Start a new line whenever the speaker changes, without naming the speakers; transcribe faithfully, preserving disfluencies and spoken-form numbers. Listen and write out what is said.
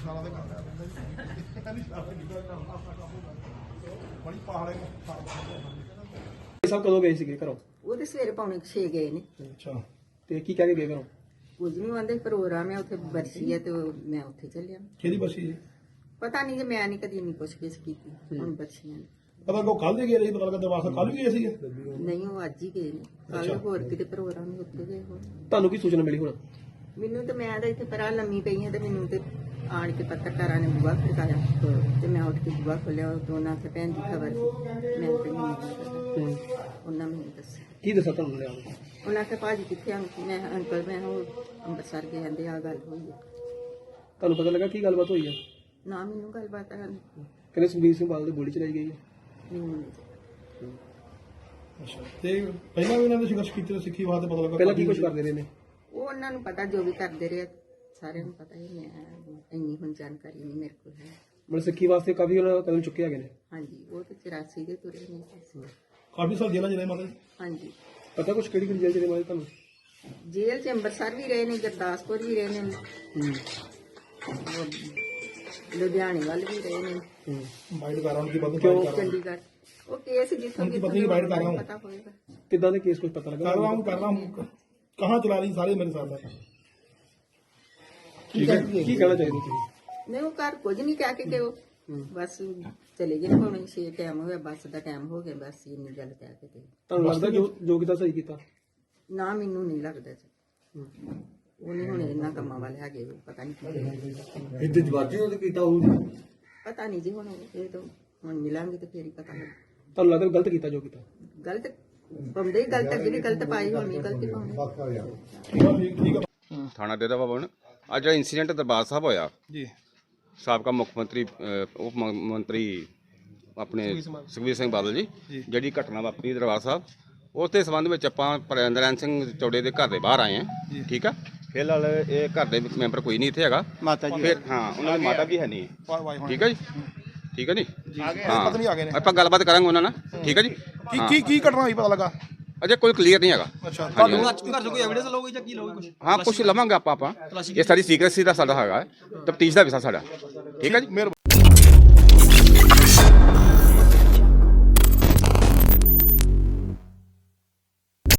ਸਾਲਾਂ ਦੇ ਕੰਮ ਕਹਿੰਦੀ ਸਾਲਾਂ ਨਿਕਲ ਕੰਮ ਬੜੀ ਪਹਾੜੇ
ਸਭ ਕਦੋਂ ਗਏ ਸੀਗੇ ਘਰੋਂ?
ਉਹ ਤੇ ਸਵੇਰੇ ਪੌਣੇ ਛੇ ਗਏ ਨੇ।
ਅੱਛਾ
ਤੇ ਕੀ ਕਹਿ ਕੇ ਗਏ ਘਰੋਂ?
ਕੁਝ ਨਹੀਂ ਆਂਦੇ ਪ੍ਰੋਗਰਾਮ ਹੈ ਉੱਥੇ ਬਰਸੀ ਹੈ ਤੇ ਉਹ ਮੈਂ ਉੱਥੇ ਚੱਲਿਆ।
ਕਿਹਦੀ ਬਸੀ ਜੀ?
ਪਤਾ ਨਹੀਂ ਕਿ ਮੈਂ ਨਹੀਂ ਕਦੀ ਨਹੀਂ ਪੁੱਛ ਗਿੱਛ ਕੀਤੀ ਹੁਣ ਬਰਸੀਆਂ ਦੀ।
ਪਤਾ ਕੋ ਕੱਲ ਦੇ ਗਏ ਰਹੀ, ਪਤਾ ਲੱਗਾ ਦਰਵਾਜ਼ਾ ਕੱਲ ਵੀ ਗਏ ਸੀਗੇ।
ਨਹੀਂ ਉਹ ਅੱਜ ਹੀ ਗਏ ਨੇ। ਕੱਲ ਹੋਰ ਕਿਤੇ ਪ੍ਰੋਗਰਾਮ ਹੀ ਉੱਥੇ ਗਏ ਹੋਰ।
ਤੁਹਾਨੂੰ ਕੀ ਸੂਚਨਾ ਮਿਲੀ ਹੁਣ?
ਮੈਨੂੰ ਤੇ ਮੈਂ ਤਾਂ ਇੱਥੇ ਪਰਾਂ ਲੰਮੀ ਪਈ ਹਾਂ ਤੇ ਮੈਨੂੰ ਤੇ ਆਣ ਕੇ ਪੱਤਰਕਾਰਾਂ ਨੇ ਬੁਆ ਖੜਕਾਇਆ ਤੇ ਮੈਂ ਉੱਠ ਕੇ ਬੁਆ ਖੋਲਿਆ। ਦੋਨਾਂ ਤੇ ਭੈਣ ਦੀ ਖਬਰ ਮੈਂ ਤੇ ਨਹੀਂ ਪਤਾ। ਉਹਨਾਂ ਮੈਨੂੰ ਦੱਸਿਆ।
ਕੀ ਦੱਸਾਂ ਤੁਹਾਨੂੰ ਲਿਆ?
ਉਹਨਾਂ ਕੇ ਭਾਜੀ ਕਿੱਥੇ ਆਂ? ਮੈਂ ਅੰਕਲ ਮੈਂ ਉਹ ਅੰਮ੍ਰਿਤਸਰ ਗਏ ਕਹਿੰਦੇ ਆ ਗੱਲ ਹੋਈ ਹੈ।
ਤੁਹਾਨੂੰ ਪਤਾ ਲੱਗਾ ਕੀ ਗੱਲਬਾਤ ਹੋਈ ਹੈ?
ਨਾ ਮੈਨੂੰ ਗੱਲਬਾਤ ਆ
ਕਹਿੰਦੇ ਸੁਖਬੀਰ ਸਿੰਘ ਬਾਦਲ ਦੀ ਗੋਲੀ ਚਲਾਈ ਗਈ ਹੈ।
ਮੈਨੂੰ ਨਹੀਂ।
ਅੱਛਾ, ਤੇ ਪਹਿਲਾਂ ਵੀ ਇਹਨਾਂ ਨੇ ਸੰਘਰਸ਼ ਕੀਤੇ ਤੇ ਸਿੱਖੀ ਵਾਸਤੇ ਪਤਾ ਲੱਗਾ
ਪਹਿਲਾਂ ਕੀ ਕੁਝ ਕਰਦੇ ਰਹੇ ਨੇ?
ਉਹ ਉਹਨਾਂ ਨੂੰ ਪਤਾ ਜੋ ਵੀ ਕਰਦੇ ਰਹੇ ਸਾਰਿਆਂ ਨੂੰ ਪਤਾ ਹੀ। ਮੈਂ ਇੰਨੀ ਹੁਣ ਜਾਣਕਾਰੀ ਨਹੀਂ ਮੇਰੇ ਕੋਲ ਹੈ।
ਮਤਲਬ ਸਿੱਖੀ ਵਾਸਤੇ ਕਾਫੀ ਉਹਨਾਂ ਕਦਮ ਚੁੱਕੇ ਹੈਗੇ ਨੇ।
ਹਾਂਜੀ ਉਹ ਤੇ ਚੁਰਾਸੀ ਦੇ ਤੁਰੇ ਨੇ।
ਕਾਫੀ ਸਾਲ ਜੇਲ੍ਹਾਂ ਜਿਹੜੇ ਮਤਲਬ।
ਹਾਂਜੀ
ਪਤਾ ਕੁਝ ਕਿਹੜੀ ਕਿਹੜੀ ਜੇਲ੍ਹ ਚ ਨੇ ਮਾਰੇ ਤੁਹਾਨੂੰ?
ਜੇਲ੍ਹ ਚ ਅੰਮ੍ਰਿਤਸਰ ਵੀ ਰਹੇ ਨੇ, ਗੁਰਦਾਸਪੁਰ ਵੀ ਰਹੇ ਨੇ, ਲੁਧਿਆਣੇ ਵੱਲ ਵੀ ਰਹੇ ਨੇ,
ਮਾਈਂਡ ਕਰ ਰਹਾ ਹੂੰ ਕਿ ਬਦਲ
ਕਿਉਂ?
ਚੰਡੀਗੜ੍ਹ। ਉਹ ਕੇਸ ਜਿੱਥੋਂ
उनकी पत्नी की बाइट कर रहा हूँ।
ਪਤਾ ਹੋਏਗਾ।
ਕਿੱਦਾਂ ਦੇ ਕੇਸ ਕੁਝ ਪਤਾ ਲੱਗਾ?
कर रहा हूँ कर रहा हूँ कहाँ चला रही सारे मेरे साथ है।
ਕੀ ਕਹਿ- ਕੀ ਕਹਿਣਾ ਚਾਹੀਦਾ ਤੁਸੀਂ?
ਨਹੀਂ ਉਹ ਘਰ ਕੁਝ ਨਹੀਂ ਕਹਿ ਕੇ ਕਿ ਉਹ ਬਸ ਚਲੇ ਗਏ ਭਾਵੇਂ ਛੇ ਟਾਈਮ ਹੋਇਆ ਬੱਸ ਦਾ ਟਾਈਮ ਹੋ ਗਿਆ ਬਸ ਇੰਨੀ ਗੱਲ ਕਹਿ ਕੇ ਤੇ।
ਤੁਹਾਨੂੰ ਲੱਗਦਾ ਜੋ ਜੋ ਕੀਤਾ ਸਹੀ ਕੀਤਾ?
ਨਾ ਮੈਨੂੰ ਨਹੀਂ ਲੱਗਦਾ ਜੀ। ਉਹ ਨਹੀਂ ਹੁਣ ਇਹਨਾਂ ਕੰਮਾਂ ਵਾਲੇ ਹੈਗੇ ਪਤਾ ਨਹੀਂ ਕੀ
ਇੱਥੇ ਜਵਾਜੀ ਉਹਦੇ ਕੀਤਾ ਹੋਊ।
ਪਤਾ ਨਹੀਂ ਜੀ ਹੁਣ ਇਹ ਤਾਂ ਹੁਣ ਮਿਲਾਂਗੇ ਤੇ ਫੇਰ ਹੀ ਪਤਾ ਲੱਗ।
ਤੁਹਾਨੂੰ ਲੱਗਦਾ ਗਲਤ ਕੀਤਾ ਜੋ ਕੀਤਾ?
ਗਲਤ ਪਾਉਂਦੇ ਹੀ ਗਲਤ ਅੱਗੇ ਵੀ ਗਲਤ ਪਾਈ ਹੋਣੀ ਗਲਤੀ ਪਾਉਂਦੇ।
ठीक है ठीक ठीक है।
ਥਾਣਾ ਡੇਰਾ ਭਵਨ ਅੱਜ ਜਿਹੜਾ ਇੰਸੀਡੈਂਟ ਦਰਬਾਰ ਸਾਹਿਬ ਹੋਇਆ
जी
ਸਾਬਕਾ ਮੁੱਖ ਮੰਤਰੀ ਅਹ, ਉਪ ਮ- ਮੰਤਰੀ ਆਪਣੇ ਸੁਖਬੀਰ ਸਿੰਘ ਬਾਦਲ ਜੀ ਜਿਹੜੀ ਘਟਨਾ ਵਾਪਰੀ ਦਰਬਾਰ ਸਾਹਿਬ ਉਸ ਦੇ ਸੰਬੰਧ ਵਿੱਚ ਆਪਾਂ ਪ੍ਰਿੰਦਰਨ ਸਿੰਘ ਚੌੜੇ ਦੇ ਘਰ ਦੇ ਬਾਹਰ ਆਏ ਹਾਂ। ਠੀਕ ਆ, ਫਿਲਹਾਲ ਇਹ ਘਰ ਦੇ ਵਿੱਚ ਮੈਂਬਰ ਕੋਈ ਨਹੀਂ ਇੱਥੇ ਹੈਗਾ।
माता जी
ਫਿਰ ਹਾਂ ਉਹਨਾਂ ਦੀ ਮਾਤਾ ਵੀ ਹੈ ਨਹੀਂ। ਠੀਕ ਹੈ ਜੀ, ਠੀਕ ਹੈ ਜੀ।
पता नहीं आ गए ने
ਆਪਾਂ ਗੱਲਬਾਤ ਕਰਾਂਗੇ ਉਹਨਾਂ ਨਾਲ। ਠੀਕ ਹੈ ਜੀ।
की की की घटना हुई पता लगा?
ਅਜੇ ਕੋਈ ਕਲੀਅਰ ਨਹੀਂ ਹੈਗਾ।
अच्छा
ਹਾਂਜੀ,
ਤੁਹਾਨੂੰ
ਹਾਂਜੀ।
ਘਰ ਤੋਂ ਕੋਈ ਐਵੀਡੈਂਸ ਲਓਗੇ ਜਾਂ ਕੀ ਲਓਗੇ ਕੁਝ?
ਹਾਂ ਕੁਛ ਲਵਾਂਗੇ ਆਪਾਂ ਆਪਾਂ ਇਹ ਸਾਡੀ ਸੀਕ੍ਰੇਸੀ ਦਾ ਸਾਡਾ ਹੈਗਾ ਤਫਤੀਸ਼ ਦਾ ਵਿਸ਼ਾ ਸਾਡਾ। ਠੀਕ ਹੈ ਜੀ।
मिहरबानी।